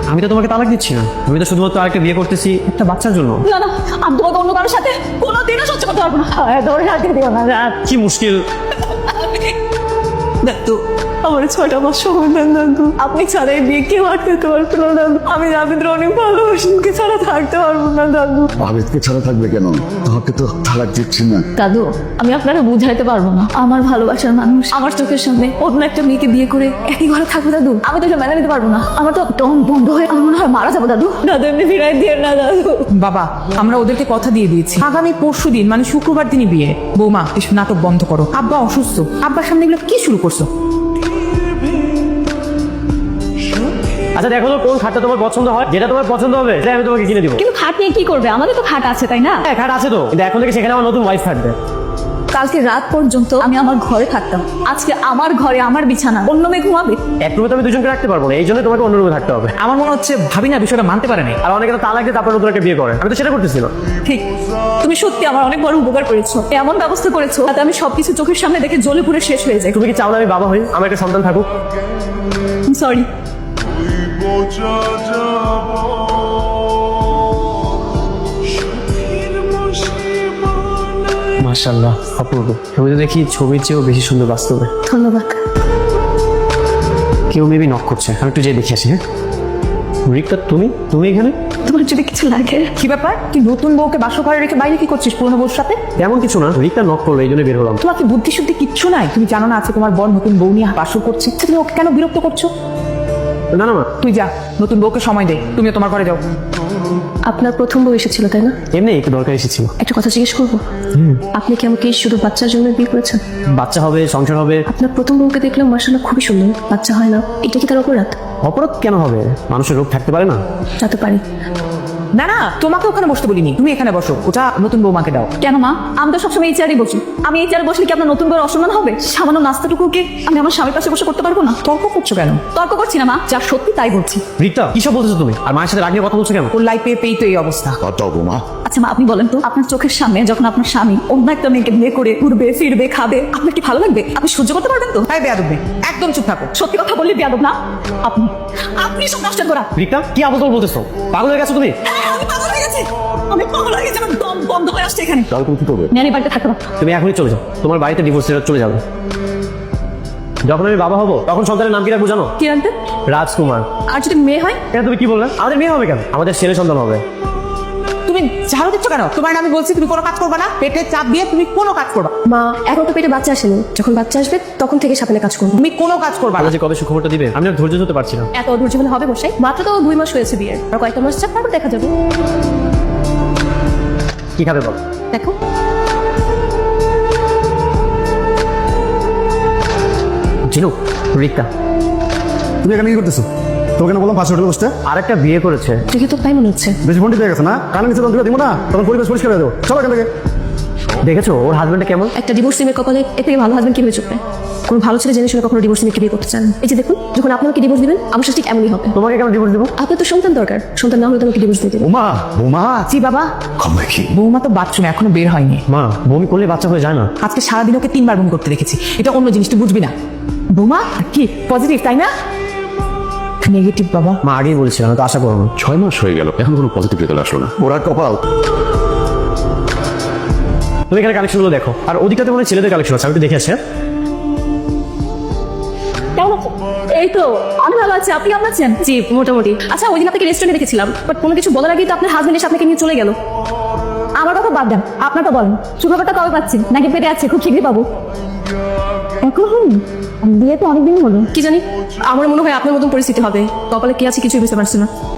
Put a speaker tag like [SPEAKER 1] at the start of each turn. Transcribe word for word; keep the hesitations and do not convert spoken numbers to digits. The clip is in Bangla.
[SPEAKER 1] আমি তো তোমাকে তালাক দিচ্ছি না, আমি তো শুধুমাত্র আরেকটা বিয়ে করতেছি একটা বাচ্চার জন্য।
[SPEAKER 2] না না, আমি তোমাকে অন্য কারোর সাথে কোনোদিনও সহ্য করতে পারবো না। তোর সাথে দিও না।
[SPEAKER 1] কি মুশকিল।
[SPEAKER 2] দাদু, আমার ছটা মাস সময় দেন দাদু। আপনি ছাড়া এই বিয়ে কেউ আটকাতে পারবে না দাদু। আমি রাবিন্দ্র অনেক ভালোবাসিকে ছাড়া থাকতে পারবো না দাদু।
[SPEAKER 3] আবেদকে ছাড়া থাকবে কেন? তোমাকে তো তালাক দিচ্ছি না।
[SPEAKER 2] দাদু, আমি আপনাকে বুঝাইতে পারবো না। আমার ভালোবাসার মানুষ আমার চোখের সামনে অন্য একটা মেয়েকে বিয়ে করে একই ঘরে থাকবে দাদু। আমি তো এটা মেনে নিতে পারবো না। আমার তো দম বন্ধ হয়ে আমি মনে হয় মারা যাবো দাদু। দাদু এমনি ফিরাই দিয়ে না দাদু।
[SPEAKER 4] বাবা, আমরা ওদেরকে কথা দিয়ে দিয়েছি, আগামী পরশু দিন মানে শুক্রবার দিনই বিয়ে। বৌমা, এসব নাটক বন্ধ করো। আব্বা অসুস্থ, আব্বার সামনে এগুলো কি শুরু করছো?
[SPEAKER 1] আচ্ছা দেখো তো কোন খাটটা তোমার পছন্দ হয়, যেটা তোমার পছন্দ হবে সেটা আমি তোমাকে কিনে দিব।
[SPEAKER 2] কিন্তু খাট নিয়ে কি করবে? আমাদের তো খাট আছে তাই না?
[SPEAKER 1] হ্যাঁ খাট আছে তো, কিন্তু এখন থেকে সেখানে আমার নতুন ওয়াইফ থাকবে।
[SPEAKER 2] কালকে রাত পর্যন্ত আমি আমার ঘরে থাকতাম, আজকে আমার ঘরে আমার বিছানা অন্য মেয়ে ঘুমাবে।
[SPEAKER 1] এক রুমে তো আমি দুজনকে রাখতে পারবো না, এই জন্য তোমাকে অন্য রুমে থাকতে হবে।
[SPEAKER 4] আমার মনে হচ্ছে ভাবি না বিষয়টা মানতে পারে নাই।
[SPEAKER 1] আর অনেকে তো তালাক দিয়ে তারপর নতুন একটা বিয়ে করে, আমি তো সেটা করতেছি না।
[SPEAKER 2] ঠিক, তুমি সত্যি আমার অনেক বড় উপকার করেছো। এমন ব্যবস্থা করেছো যাতে আমি সবকিছু চোখের সামনে দেখে জ্বলে পুড়ে শেষ হয়ে যাই।
[SPEAKER 1] তুমি কি চাও না আমি বাবা হই, আমার একটা সন্তান থাকুক?
[SPEAKER 2] সরি।
[SPEAKER 1] মাশাআল্লাহ, অপূর্ব। ছবিতে দেখি ছবির চেয়েও বেশি সুন্দর বাস্তবে।
[SPEAKER 2] ধন্যবাদ।
[SPEAKER 1] কেউ মেবি নক করছে, আমি একটু যেয়ে দেখে আসি। হ্যাঁ রিক্তা, তুমি তুমি এখানে?
[SPEAKER 2] তোমার যদি কিছু লাগে।
[SPEAKER 4] কি ব্যাপার, তুই নতুন বউকে বাসর ঘরে রেখে বাইরে কি করছিস পুরনো বউর সাথে?
[SPEAKER 1] তেমন কিছু না, রিক্তা নক করলো এই জন্য বের হলাম।
[SPEAKER 4] তোমার কি বুদ্ধি শুদ্ধি কিচ্ছু নাই? তুমি জানো না আছে তোমার বর নতুন বউ নিয়ে বাসর করছে, তুমি ওকে কেন বিরক্ত করছো?
[SPEAKER 1] না না মা,
[SPEAKER 4] তুই যা, নতুন বউকে সময় দে, তুমিও তোমার ঘরে যাও।
[SPEAKER 2] আপনার প্রথম বউ এসেছিল তাই না?
[SPEAKER 1] এমনি একটু দরকার এসেছিল।
[SPEAKER 2] একটা কথা জিজ্ঞেস করবো? আপনি কি আমাকে শুধু বাচ্চার জন্য বিয়ে করেছেন?
[SPEAKER 1] বাচ্চা হবে, সংসার হবে।
[SPEAKER 2] আপনার প্রথম বউকে দেখলাম মাশাআল্লাহ খুবই সুন্দর, বাচ্চা হয় না, এটা কি তার অপরাধ?
[SPEAKER 1] অপরাধ কেন হবে? মানুষের রোগ থাকতে পারে না।
[SPEAKER 2] যাতে পারি।
[SPEAKER 4] না না, তোমাকে ওখানে বসতে বলিনি, তুমি এখানে বসো, ওটা নতুন বৌমাকে দাও।
[SPEAKER 2] কেন মা? আমি তো সবসময় এই চেয়ারই বসি। আমি এই চেয়ারে বসলে কি আপনার নতুন বউর অসম্মান হবে? সামান্য নাস্তাটুকু কি আমি আমার স্বামীর পাশে বসে করতে পারবো না?
[SPEAKER 4] তর্ক করছো কেন?
[SPEAKER 2] তর্ক করছি না মা, যা সত্যি তাই বলছি।
[SPEAKER 1] রিক্তা, কি সব বলতেছো তুমি? আর মায়ের সাথে রাগ নিয়ে কথা বলছো কেন?
[SPEAKER 4] ওর লাইফে পেয়ে তো এই অবস্থা।
[SPEAKER 3] কত বৌমা?
[SPEAKER 2] আচ্ছা মা, আপনি বলেন তো, আপনার চোখের সামনে যখন আপনার স্বামী অন্য একটা মেয়েকে বিয়ে করে ঘুরবে ফিরবে খাবে, আপনার কি ভালো লাগবে? আপনি সহ্য করতে পারবেন তো?
[SPEAKER 4] তাই বেয়াদব মেয়ে, একদম চুপ থাকো।
[SPEAKER 2] সত্যি কথা বললে বেয়াদব না আপনি। আপনি সব নষ্ট করা।
[SPEAKER 1] রিক্তা, কি আবল বলতেছো? পাগল হয়ে গেছো তুমি?
[SPEAKER 2] হ্যাঁ, আমি পাগল হয়ে গেছি। আমি পাগল হয়ে গেছি, আমার দম বন্ধ হয়ে আসছে এখানে।
[SPEAKER 3] তাহলে তুমি কি করবে?
[SPEAKER 2] ন্যানি বাড়িতে থাকতে পারবো।
[SPEAKER 1] তুমি এখনই চলে যাও, তোমার বাড়িতে ডিভোর্স লেটার চলে যাবে। যখন আমি বাবা হব তখন সন্তানের নাম কি রাখবো জানো?
[SPEAKER 2] কি রাখতে?
[SPEAKER 1] রাজকুমার।
[SPEAKER 2] আর যদি মেয়ে হয়?
[SPEAKER 1] এটা তুমি কি বললে? আমাদের মেয়ে হবে কেন? আমাদের ছেলে সন্তান হবে।
[SPEAKER 4] তুমি ঝাড়ু দিচ্ছ কেন? তোমার আমি বলছি তুমি কোনো কাজ করবে না, পেটে চাপ দিয়ে তুমি কোনো কাজ করবা।
[SPEAKER 2] মা, এখন তো পেটে বাচ্চা আসেনি, যখন বাচ্চা আসবে তখন থেকে সামনে কাজ করবো।
[SPEAKER 4] তুমি কোনো কাজ করবা না।
[SPEAKER 1] আল্লাহ যে কবে সুখবরটা দিবে আমি আর ধৈর্য ধরতে পারছি না।
[SPEAKER 2] এত অধৈর্য হলে হবে বসাই? মাত্র তো দুই মাস হয়েছে বিয়ের, আর কয়েকটা মাস যাক তারপর দেখা যাবে।
[SPEAKER 1] কি খাবে বল?
[SPEAKER 2] দেখো
[SPEAKER 1] জিনু, রিক্তা,
[SPEAKER 3] তুমি এখানে কি করতেছো? তোমাকে না বললাম পাশে হোটেলে বসতে?
[SPEAKER 1] আরেকটা বিয়ে করেছে।
[SPEAKER 2] দেখে তো তাই মনে হচ্ছে।
[SPEAKER 3] বেশি ফোনটি পেয়ে গেছে না? কানে নিচে তখন দিব না, তখন পরিবেশ পরিষ্কার হয়ে দেবো। চলো এখান থেকে।
[SPEAKER 1] দেখেছো ওর হাজবেন্ডটা কেমন?
[SPEAKER 2] একটা ডিভোর্স মেয়ের কপালে এর থেকে ভালো হাজবেন্ড কিভাবে চুপবে? কোনো ভালো ছেলে জেনে শুনে কখনো ডিভোর্স মেয়েকে বিয়ে করতে চান? এই যে দেখুন, যখন আপনি আমাকে ডিভোর্স দিবেন আমার সাথে ঠিক এমনই হবে।
[SPEAKER 1] তোমাকে কেন ডিভোর্স দেবো?
[SPEAKER 2] আপনার তো সন্তান দরকার, সন্তান না হলে তো আমাকে ডিভোর্স দিয়ে দেবেন।
[SPEAKER 3] বৌমা, বৌমা,
[SPEAKER 4] জি বাবা,
[SPEAKER 3] খবর কি?
[SPEAKER 4] বৌমা তো বাথরুমে এখনো বের হয়নি।
[SPEAKER 1] মা, বমি করলে বাচ্চা হয়ে যায় না।
[SPEAKER 4] আজকে সারাদিন ওকে তিনবার বমি করতে দেখেছি, এটা অন্য জিনিস, তুই বুঝবি না। বৌমা কি পজিটিভ তাই না? নেগেটিভ বাবা।
[SPEAKER 1] মা আগেই বলছিলাম, তো আশা করো না।
[SPEAKER 3] ছয় মাস হয়ে গেল, এখন কোনো পজিটিভ রেজাল্ট আসলো না। ওরা কপাল।
[SPEAKER 1] তুমি এখানে কালেকশনগুলো দেখো, আর ওদিকটাতে মনে হয় ছেলেদের কালেকশন আছে, আমি একটু দেখে আসি। হ্যাঁ?
[SPEAKER 2] কেমন আছেন? এই তো আমি ভালো আছি, আপনি কেমন আছেন? জি মোটামুটি। আচ্ছা, ওই দিন আপনাকে রেস্টুরেন্টে দেখেছিলাম, বাট কোনো কিছু বলার আগেই তো আপনার হাজবেন্ড এসে আপনাকে নিয়ে চলে গেল। আমার কথা বাদ দেন, আপনারটা বলেন, সুখবরটা কবে পাচ্ছেন? নাকি পেটে আছে, খুব শীঘ্রই পাবো? এখন বিয়ে তো অনেকদিন হলো, কি জানি আমার মনে হয় আপনার মতন পরিস্থিতি হবে। কপালে কি আছে কিছুই বুঝতে পারছি না।